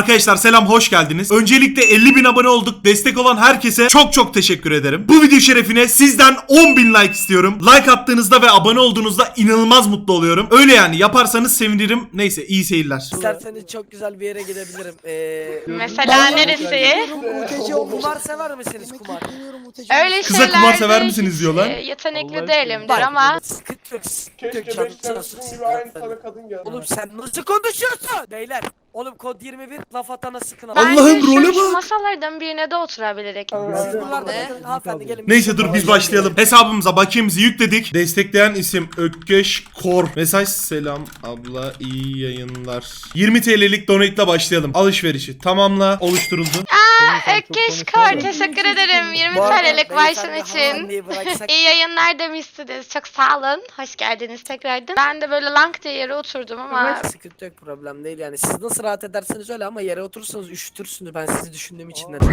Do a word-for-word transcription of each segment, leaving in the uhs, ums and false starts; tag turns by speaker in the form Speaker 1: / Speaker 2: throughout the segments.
Speaker 1: Arkadaşlar selam, hoş geldiniz. Öncelikle elli bin abone olduk. Destek olan herkese çok çok teşekkür ederim. Bu video şerefine sizden on bin like istiyorum. Like attığınızda ve abone olduğunuzda inanılmaz mutlu oluyorum. Öyle yani, yaparsanız sevinirim. Neyse, iyi seyirler.
Speaker 2: İsterseniz çok güzel bir yere gidebilirim. Ee,
Speaker 3: Mesela neresi?
Speaker 2: Muteci o kumar sever misiniz kumar?
Speaker 3: Öyle
Speaker 1: Kıza
Speaker 3: şeylerde
Speaker 1: kumar sever misiniz diyorlar.
Speaker 3: e, Yetenekli değilimdir ama
Speaker 2: Sıkıntı yok, sıkıntı yok.
Speaker 4: Keşke
Speaker 2: Canım
Speaker 4: beş
Speaker 2: sağ
Speaker 4: tane
Speaker 2: olsun.
Speaker 4: gibi aynı tane kadın geldi.
Speaker 2: Oğlum sen nasıl konuşuyorsun? Beyler, oğlum kod yirmi bir laf atana sıkın.
Speaker 1: Allah'ım,
Speaker 3: bence
Speaker 1: role
Speaker 3: şu
Speaker 1: bak.
Speaker 3: masalardan birine de oturabiliriz.
Speaker 2: Siz buralarda bakın, hanımefendi gelin.
Speaker 1: Neyse dur biz başlayalım. Hesabımıza bakiyemizi yükledik. Destekleyen isim Ökkeş Kor. Mesaj: selam abla, iyi yayınlar. yirmi TL'lik donate'la başlayalım. Alışverişi tamamla, oluşturuldu.
Speaker 3: Aa, Ökkeş Kor, teşekkür ederim yirmi
Speaker 2: Bu arada
Speaker 3: TL'lik başım
Speaker 2: beyefendi
Speaker 3: için.
Speaker 2: hanımefendiyi bıraksak-
Speaker 3: İyi yayınlar demişsiniz. Çok sağ olun. Hoş geldiniz tekrardan. Ben de böyle lang diye yere oturdum ama
Speaker 2: Sıkıntı yok, problem değil yani. Siz nasıl rahat ederseniz öyle ama yere oturursanız üşütürsünüz. Ben sizi düşündüğüm için de.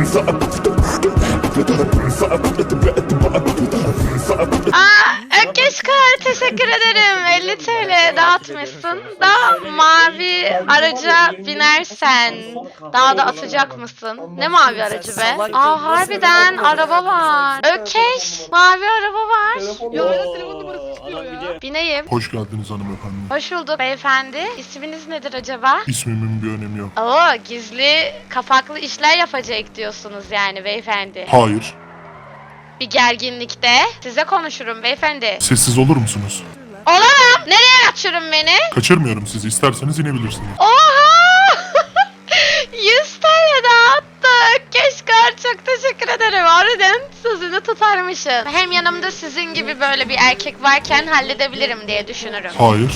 Speaker 3: Aa, Ökkeş Kor, teşekkür ederim. elli TL dağıtmışsın. Da mavi araca binersen daha da atacak mısın? Ne mavi aracı be? Aa, harbiden araba var. Ökkeş, mavi araba var. Yok, telefon numarası istiyor ya. Bineyim.
Speaker 5: Hoş geldiniz hanımefendi.
Speaker 3: Hoş bulduk beyefendi. İsminiz nedir acaba?
Speaker 5: İsmimin bir önemi yok.
Speaker 3: Oo, gizli kapaklı işler yapacak diyorsunuz yani beyefendi.
Speaker 5: Hayır.
Speaker 3: Bir gerginlikte size konuşurum beyefendi.
Speaker 5: Sessiz olur musunuz?
Speaker 3: Olamam. Nereye kaçırın beni?
Speaker 5: Kaçırmıyorum sizi. İsterseniz inebilirsiniz.
Speaker 3: Oha! yüz TL dağıttı. Keşkar, çok teşekkür ederim. Harbiden sözünü tutarmışsın. Hem yanımda sizin gibi böyle bir erkek varken halledebilirim diye düşünürüm.
Speaker 5: Hayır.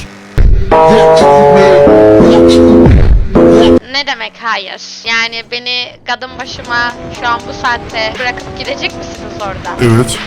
Speaker 3: Ne demek hayır? Yani beni kadın başıma şu an bu saatte bırakıp gidecek misiniz orada?
Speaker 5: Evet.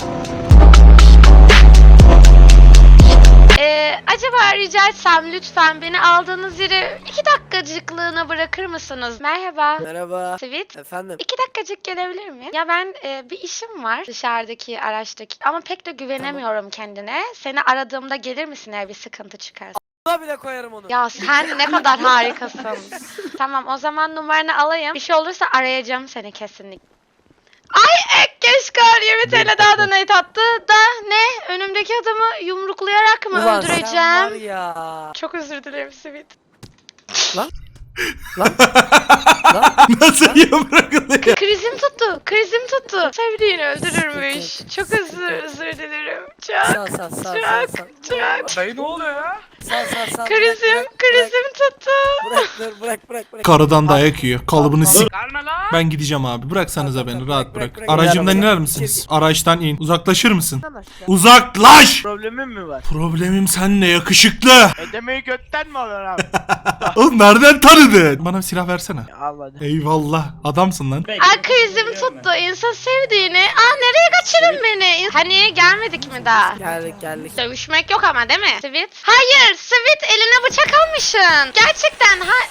Speaker 3: Ee, acaba rica etsem lütfen beni aldığınız yere iki dakikacıklığına bırakır mısınız? Merhaba.
Speaker 2: Merhaba.
Speaker 3: Sweet.
Speaker 2: Efendim.
Speaker 3: İki dakikacık gelebilir miyim? Ya ben e, bir işim var dışarıdaki araçtaki ama pek de güvenemiyorum kendine. Seni aradığımda gelir misin eğer bir sıkıntı çıkarsa?
Speaker 2: Buna bile koyarım onu.
Speaker 3: Ya sen ne kadar harikasın. Tamam, o zaman numaranı alayım. Bir şey olursa arayacağım seni kesinlikle. Ay Ekkeşkar yirmi TL daha donate attı da ne? Önümdeki adamı yumruklayarak mı
Speaker 2: Ulan sen var
Speaker 3: öldüreceğim?
Speaker 2: ya.
Speaker 3: Çok özür dilerim Sweet.
Speaker 2: Lan. Lan. Lan.
Speaker 1: Nasıl yumrukluyor?
Speaker 3: Krizim tuttu, krizim tuttu. Sevdiğini öldürürmüş. Çok özür, özür dilerim. Çok,
Speaker 2: Sağ sağ sağ sağ
Speaker 3: çok,
Speaker 2: sağ.
Speaker 3: çok.
Speaker 4: Dayı ne oluyor ya?
Speaker 2: Sağ sağ sağ.
Speaker 3: Krizim,
Speaker 2: Bırak,
Speaker 3: krizim tuttu.
Speaker 2: Bırak bırak bırak bırak. bırak.
Speaker 1: Karıdan dayak yiyor. Kalıbını sik.
Speaker 4: Gelme lan.
Speaker 1: Ben gideceğim abi. Bıraksanıza beni, rahat bırak.
Speaker 2: bırak.
Speaker 1: Aracımdan
Speaker 2: Bırak.
Speaker 1: iner misiniz? Araçtan in. Uzaklaşır mısın? Uzaklaş!
Speaker 4: Problemin mi var?
Speaker 1: Problemim seninle yakışıklı.
Speaker 4: Ödemeyi götten mi alıyorsun abi?
Speaker 1: Oğlum nereden tanıdın? Bana bir silah versene.
Speaker 4: Almadı.
Speaker 1: Eyvallah. Adamsın lan.
Speaker 3: Aa, krizim tuttu. İnsan sevdiğini. Aa, nereye kaçırın beni? Hani gelmedik mi daha?
Speaker 2: Geldik geldik.
Speaker 3: Dövüşmek yok ama değil mi? Sweet? Hayır, Sweet eline bıçak almışsın. Gerçekten ha...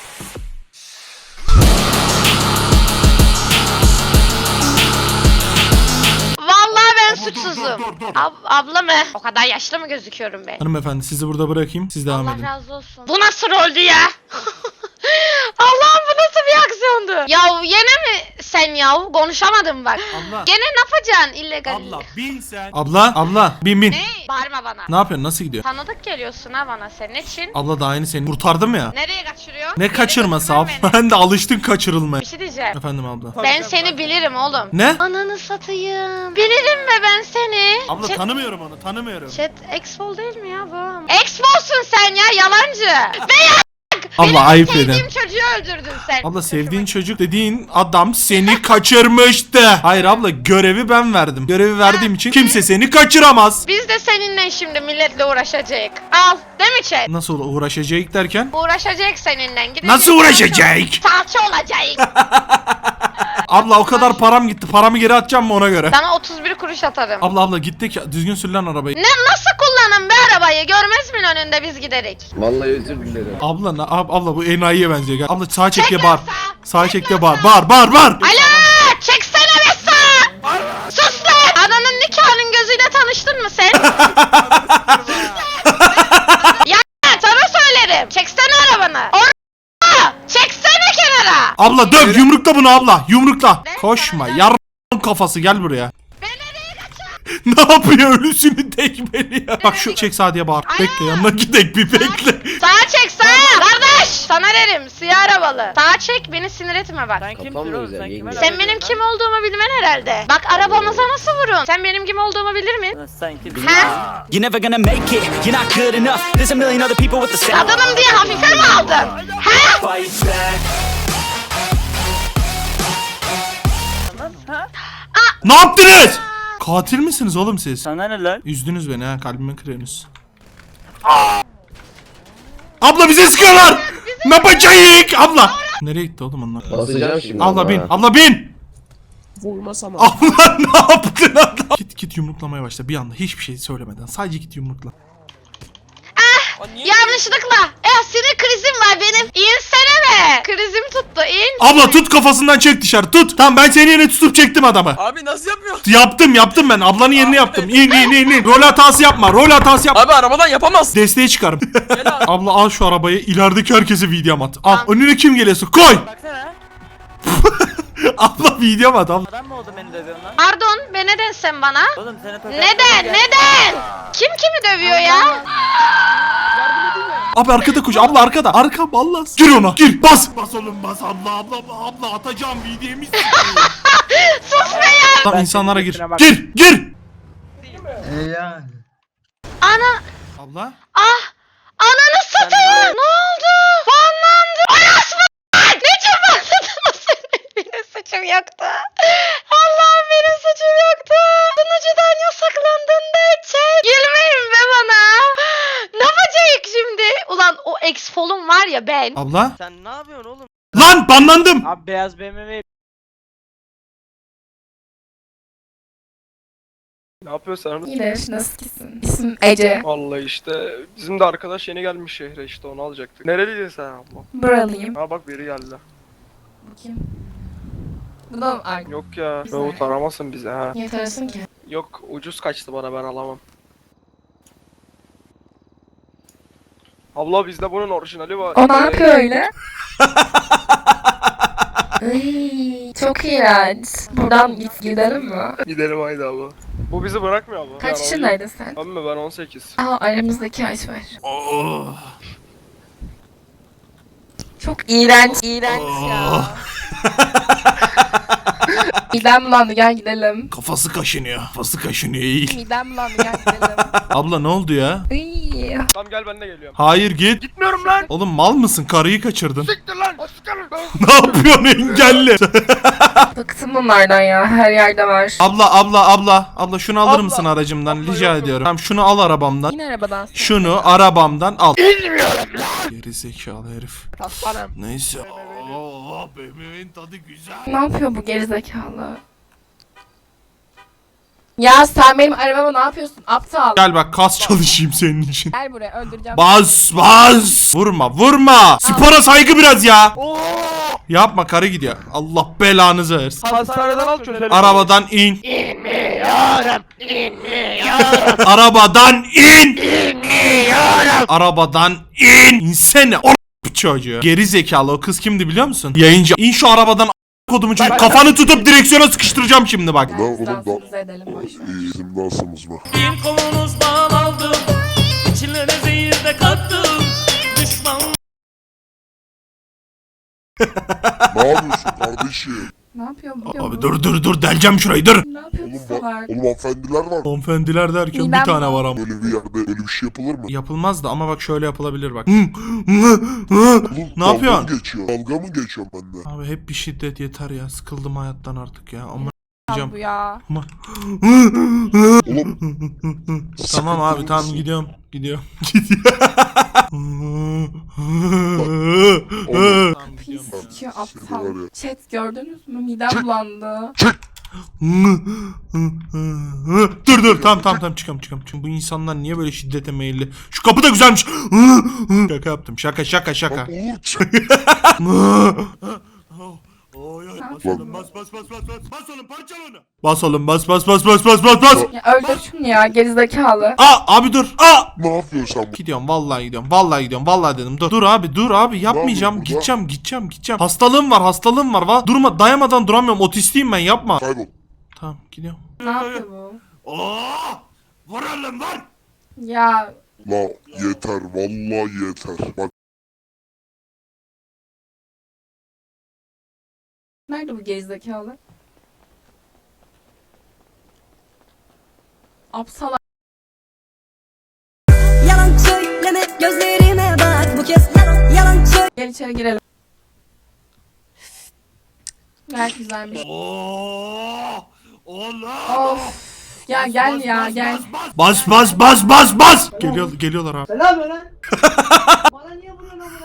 Speaker 3: Vallahi ben suçsuzum. Ab abla mı? O kadar yaşlı mı gözüküyorum ben?
Speaker 1: Hanımefendi sizi burada bırakayım. Siz devam
Speaker 3: Allah
Speaker 1: edin.
Speaker 3: razı olsun. Bu nasıl roldü ya? Allah'ım, bu nasıl bir aksiyondu? Ya yine mi sen ya? Konuşamadım bak.
Speaker 1: Abla.
Speaker 3: Gene ne yapacaksın illegal?
Speaker 1: bin sen. Abla, abla bin bin.
Speaker 3: Ne? Bağırma bana.
Speaker 1: Ne yapıyorsun? Nasıl gidiyor?
Speaker 3: Tanıdık geliyorsun ha bana, senin için.
Speaker 1: Abla daha yeni seni kurtardım ya.
Speaker 3: Nereye kaçırıyor?
Speaker 1: Ne kaçırması
Speaker 3: Nereye
Speaker 1: abla?
Speaker 3: götürüyor
Speaker 1: Ben de alıştın kaçırılmaya.
Speaker 3: Bir şey diyeceğim.
Speaker 1: Efendim abla.
Speaker 3: Ben seni bilirim oğlum.
Speaker 1: Ne?
Speaker 3: Ananı satayım. Bilirim be ben seni.
Speaker 1: Abla
Speaker 3: Chat,
Speaker 1: tanımıyorum onu, tanımıyorum.
Speaker 3: chat Expol değil mi ya bu? Exfolsun sen ya, yalancı. Ve ya
Speaker 1: Abla ayıp edin.
Speaker 3: sevdiğim çocuğu öldürdün sen.
Speaker 1: Abla sevdiğin çocuk dediğin adam seni kaçırmıştı. Hayır abla, görevi ben verdim. Görevi verdiğim için kimse seni kaçıramaz.
Speaker 3: Biz de seninle şimdi milletle uğraşacak. Al, değil mi chat?
Speaker 1: Nasıl uğraşacak derken?
Speaker 3: Uğraşacak seninle. Gidecek,
Speaker 1: Nasıl uğraşacak?
Speaker 3: Salça olacak.
Speaker 1: Abla o kadar param gitti. Paramı geri atacağım mı ona göre?
Speaker 3: Sana otuz bir kuruş atarım.
Speaker 1: Abla abla gittik ya. Düzgün sür lan arabayı.
Speaker 3: Ne, nasıl kullanın be arabayı? Görmez mi önünde biz giderik?
Speaker 6: Vallahi özür dilerim.
Speaker 1: Abla na- ab- abla bu enayiye benziyor. Gel. Abla sağa çek
Speaker 3: Çek
Speaker 1: diye
Speaker 3: lan
Speaker 1: bağır.
Speaker 3: sağa.
Speaker 1: Sağa
Speaker 3: Çek
Speaker 1: çek
Speaker 3: lan
Speaker 1: diye bağır.
Speaker 3: sağa.
Speaker 1: Bağır bağır bağır.
Speaker 3: Alo! Çeksene be sağa! Sus lan! Ananın nikahının gözüyle tanıştın mı sen? Ya sana söylerim. Çeksene arabanı. Or Çeksene kenara.
Speaker 1: Döv döv yumrukla bunu abla yumrukla. Koşma yar kafası gel buraya. Ne yapıyor ölüsünü tekmeliyor. Bak şu çek sağa diye bağır. Bekle yanına gidek bir bekle.
Speaker 3: Sağa çek sağa. Kardeş. Sana derim siyah arabalı. Sağa çek beni sinir etme bak.
Speaker 4: Sen kimsin
Speaker 2: Kafam mı
Speaker 4: oğlum
Speaker 2: güzel,
Speaker 4: sen
Speaker 2: yenge?
Speaker 4: kime
Speaker 3: Sen
Speaker 4: laf
Speaker 3: benim
Speaker 4: ediyorsun
Speaker 3: kim olduğumu bilmen herhalde. Bak arabamıza nasıl vurun. Sen benim kim olduğumu bilir mi?
Speaker 4: lan? Sen kimsin?
Speaker 3: Ha?
Speaker 6: You're never gonna make it, you're not good enough. There's a million other people with the same
Speaker 3: Kadınım diye hafife mi aldın? Ha?
Speaker 6: fight back.
Speaker 1: Ne yaptınız? Katil misiniz oğlum siz?
Speaker 4: Sana ne lan?
Speaker 1: Üzdünüz beni ha kalbime kırıyorsunuz. Abla bize sıkıyorlar. Ne yapacağız abla? Nereye gitti oğlum onlar?
Speaker 7: Basacağım şimdi.
Speaker 1: Abla bin
Speaker 7: ha.
Speaker 1: abla bin.
Speaker 2: Vurmasam abi.
Speaker 1: Abla ne yaptın adam? Git git yumruklamaya başla bir anda hiçbir şey söylemeden sadece git yumrukla.
Speaker 3: Yanlışlıkla. Ya sinir krizim var benim. İnsene be. Krizim tuttu in.
Speaker 1: Abla tut kafasından çek dışarı tut. Tamam ben seni yerine tutup çektim adamı.
Speaker 8: Abi nasıl yapıyorsun?
Speaker 1: Yaptım yaptım ben ablanın yerini yaptım. İn in in in. Rol hatası yapma rol hatası yapma.
Speaker 8: Abi arabadan yapamazsın.
Speaker 1: Desteğe çıkarım.
Speaker 8: Gel abi.
Speaker 1: Abla al şu arabayı ilerideki herkese video at. Al önüne kim geliyorsa koy.
Speaker 4: Baksana.
Speaker 1: Abla video at abla.
Speaker 4: Adam mı oldu beni dövüyorsun lan?
Speaker 3: Pardon be neden sen bana?
Speaker 4: Oğlum seni tokat.
Speaker 3: Neden neden? Kim kimi dövüyor ya?
Speaker 1: Abi arkada koş abla arkada. Arkam Allah. Gir ona gir bas. Bas oğlum bas abla abla abla atacağım videomu.
Speaker 3: Sus be ya.
Speaker 1: Tamam insanlara gir.
Speaker 4: kendisine bak.
Speaker 1: Gir gir.
Speaker 3: Ana.
Speaker 1: Abla.
Speaker 3: Ah. Ananı satayım. Ne oldu? Banlandı. Anasını. Ne çabaladın senin? Benim suçum yoktu. Allah'ım benim suçum yoktu. Sunucudan yasaklandın da çek. Gülmeyin be bana. Ne yapacak şimdi? Ulan o ex-folum var ya ben.
Speaker 1: Abla.
Speaker 4: Sen ne yapıyorsun oğlum?
Speaker 1: Lan banlandım.
Speaker 4: Abi beyaz B M W.
Speaker 9: Ne yapıyorsun sen?
Speaker 10: İyidir, nasılsın? İsmim Ece.
Speaker 9: Vallahi işte bizim de arkadaş yeni gelmiş şehre işte onu alacaktık. Nereliydin sen abla?
Speaker 10: Buralıyım.
Speaker 9: Ha bak biri geldi.
Speaker 10: Kim? Bu da mı Argo?
Speaker 9: Yok ya.
Speaker 10: Güzel.
Speaker 9: Davut aramasın bize ha.
Speaker 10: Niye tanıyorsun ki?
Speaker 9: Yok ucuz kaçtı bana ben alamam. Abla bizde bunun orijinali var.
Speaker 10: O ne
Speaker 9: Ee,
Speaker 10: yapıyor öyle? Ay, çok iğrenç. Buradan git gidelim mi?
Speaker 9: Gidelim haydi abla. Bu bizi bırakmıyor abla.
Speaker 10: Kaç
Speaker 9: Yani
Speaker 10: yaşındaydın sen?
Speaker 9: o- Abi mi ben on sekiz.
Speaker 10: Aa, aramızdaki yaş var.
Speaker 1: Oh.
Speaker 10: Çok iğrenç. İğrenç ya. Midem bulandı, gel gidelim.
Speaker 1: Kafası kaşınıyor. Kafası kaşınıyor iyi.
Speaker 10: Midem bulandı, gel gidelim.
Speaker 1: Abla ne oldu ya?
Speaker 10: Iy.
Speaker 9: Tamam gel ben de geliyorum.
Speaker 1: Hayır git.
Speaker 9: Gitmiyorum lan.
Speaker 1: Oğlum mal mısın? Karıyı kaçırdın.
Speaker 9: Siktir lan. Sıkarım.
Speaker 1: Ne yapıyorsun engelli?
Speaker 10: Bıktım bunlardan ya, her yerde var.
Speaker 1: abla abla abla. Abla şunu alır
Speaker 9: Abla,
Speaker 1: mısın aracımdan?
Speaker 9: abla,
Speaker 1: Rica
Speaker 9: yok.
Speaker 1: ediyorum. Tamam şunu al arabamdan.
Speaker 10: Yine arabadan. sonra.
Speaker 1: Şunu arabamdan al. Geri zekalı herif.
Speaker 2: Aslanım.
Speaker 1: Neyse. Oo, B M W'nin tadı güzel.
Speaker 10: Ne yapıyor bu gerizekalı? Ya sen benim arabama ne yapıyorsun? Aptal.
Speaker 1: Gel bak kas çalışayım senin için.
Speaker 10: Gel buraya, öldüreceğim.
Speaker 1: Bas bas. Vurma vurma. Spora saygı biraz ya. Yapma karı gidiyor. Allah belanızı versin.
Speaker 9: Hastaneden al çözelim.
Speaker 1: Arabadan in. İnmiyorum. İnmiyorum. Arabadan in. İnmiyorum. Arabadan in. İnsene o çocuğu. Geri zekalı o kız kimdi biliyor musun? Yayıncı. İn şu arabadan a- kodumu çocuk. Kafanı tutup direksiyona sıkıştıracağım şimdi bak.
Speaker 10: Gel biz dansımızı edelim, boşver.
Speaker 7: Bizim dansımız mı?
Speaker 6: Bir kolunuzdan aldım, içlerine zehir de kattım. Düşman
Speaker 7: Ne yapıyorsun kardeşim?
Speaker 10: Ne yapıyor bu?
Speaker 1: Abi dur dur dur deleceğim şurayı dur.
Speaker 10: Ne yapıyor bu
Speaker 7: Oğlum, ba-
Speaker 10: salak?
Speaker 7: oğlum hanımefendiler var.
Speaker 1: Hanımefendiler derken bir
Speaker 10: Midem
Speaker 1: tane var ama.
Speaker 7: Böyle bir yerde öyle bir şey yapılır mı?
Speaker 1: Yapılmaz da ama bak şöyle yapılabilir bak.
Speaker 7: Oğlum,
Speaker 1: Ne
Speaker 7: dalga
Speaker 1: yapıyorsun?
Speaker 7: mı geçiyor? Dalga mı geçiyorum ben de?
Speaker 1: Abi hep bir şiddet yeter ya. Sıkıldım hayattan artık ya. Ama
Speaker 10: Bu ya.
Speaker 1: ama.
Speaker 7: Oğlum
Speaker 1: Tamam abi
Speaker 7: sıkıntı
Speaker 1: tamam
Speaker 7: mısın?
Speaker 1: gidiyorum. Gidiyorum. Gidiyorum. Tamam,
Speaker 10: Pis
Speaker 1: gidiyorum.
Speaker 10: sikiyor
Speaker 7: Seni
Speaker 10: aptal.
Speaker 7: var ya.
Speaker 10: Chat gördünüz mü? Midem bulandı.
Speaker 1: Dur dur tamam tamam tamam çıkam çıkam. Çünkü bu insanlar niye böyle şiddete meyilli? Şu kapı da güzelmiş. Şaka yaptım. Şaka şaka şaka.
Speaker 7: Bak oğlum çık.
Speaker 1: Oy oy
Speaker 10: Ha.
Speaker 1: bas oğlum bas bas bas bas bas bas oğlum parçala onu. Bas oğlum bas bas bas bas bas bas bas.
Speaker 10: Ya öldür şunu ya gerizekalı.
Speaker 1: Aa abi dur. Aa.
Speaker 7: Ne yapıyorsun sen?
Speaker 1: Gidiyorum vallahi gidiyorum. Vallahi gidiyorum. Vallahi dedim. Dur. Dur abi dur abi yapmayacağım.
Speaker 7: burada?
Speaker 1: Gideceğim gideceğim gideceğim. Hastalığım var hastalığım var. Va durma dayamadan duramıyorum. Otistiyim ben yapma.
Speaker 7: Kaybol.
Speaker 1: Tamam gidiyorum.
Speaker 10: Ne yapıyor bu?
Speaker 1: Oo! Vur oğlum vur.
Speaker 10: Ya
Speaker 7: La yeter vallahi yeter. Bak
Speaker 10: nerede bu gerizekalı? Apsal.
Speaker 8: Yalan söyleme gözlerime bak bu kez yalan yalan söyle.
Speaker 10: Gel içeri girelim. Gayet güzelmiş.
Speaker 1: Oo! Oğlum.
Speaker 10: Of. Ya gel ya gel.
Speaker 1: Bas bas bas bas bas. Geliyor geliyorlar abi.
Speaker 2: Selam lan. Bana niye vuruyorsun amına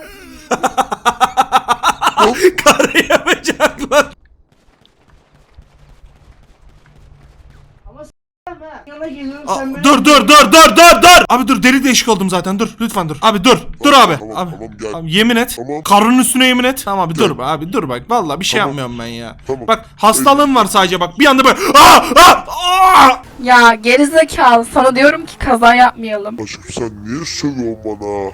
Speaker 2: koyayım?
Speaker 1: Karı yapacaklar.
Speaker 2: Yana geliyorum
Speaker 1: Aa,
Speaker 2: sen beni.
Speaker 1: dur dur dur dur dur dur. Abi dur deli deşik oldum zaten dur lütfen dur. Abi dur. Dur abi.
Speaker 7: Tamam,
Speaker 1: Abi.
Speaker 7: tamam, gel.
Speaker 1: Abi yemin et.
Speaker 7: Tamam.
Speaker 1: Karının üstüne yemin et. Tamam abi
Speaker 7: Gel.
Speaker 1: dur abi dur bak. Vallahi bir şey
Speaker 7: Tamam.
Speaker 1: yapmıyorum ben ya.
Speaker 7: Tamam.
Speaker 1: Bak hastalığım var sadece bak. Bir anda böyle aa aa aa.
Speaker 10: Ya gerizekalı sana diyorum ki kaza yapmayalım.
Speaker 7: aşkım sen niye sövüyorsun bana?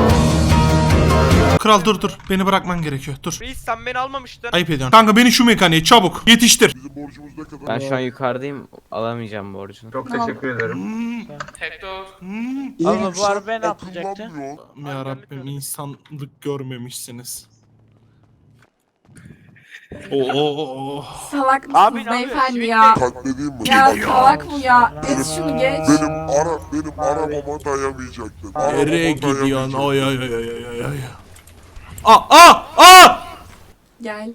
Speaker 1: Kral dur dur. Beni bırakman gerekiyor. Dur.
Speaker 9: Reis sen beni almamıştın.
Speaker 1: Ayıp ediyorsun. Kanka beni şu mekaniğe çabuk yetiştir.
Speaker 7: Bizim borcumuz ne kadar?
Speaker 4: Ben şu an yukarıdayım. Alamayacağım borcunu.
Speaker 9: Çok
Speaker 10: teşekkür
Speaker 9: ederim.
Speaker 1: Hmm.
Speaker 4: Abla bu arabaya ne
Speaker 7: Sen
Speaker 4: yapacaktı?
Speaker 7: kullanmıyorsun.
Speaker 1: Ya Rabbim insanlık görmemişsiniz. Oo.
Speaker 10: Salak
Speaker 4: Abi
Speaker 10: mısınız
Speaker 4: ne
Speaker 10: beyefendi
Speaker 4: yapıyorsun?
Speaker 10: ya?
Speaker 7: Katledeyim mi?
Speaker 10: Ya salak bu ya. Geç şunu geç.
Speaker 7: Benim ara benim arabama dayamayacaktın.
Speaker 1: Nereye
Speaker 7: Arabama
Speaker 1: gidiyorsun?
Speaker 7: dayamayacaktın.
Speaker 1: Ay ay ay ay ay ay ay. Aa aa aa.
Speaker 10: Gel.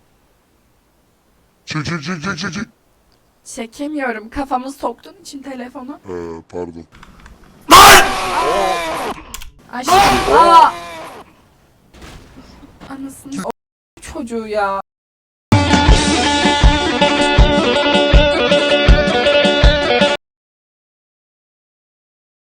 Speaker 7: Çık çık çık çık çık çık.
Speaker 10: Çekemiyorum. Kafamı soktuğun için telefonu.
Speaker 7: He pardon.
Speaker 10: Aşkım. Aa. Anasını o çocuğu ya.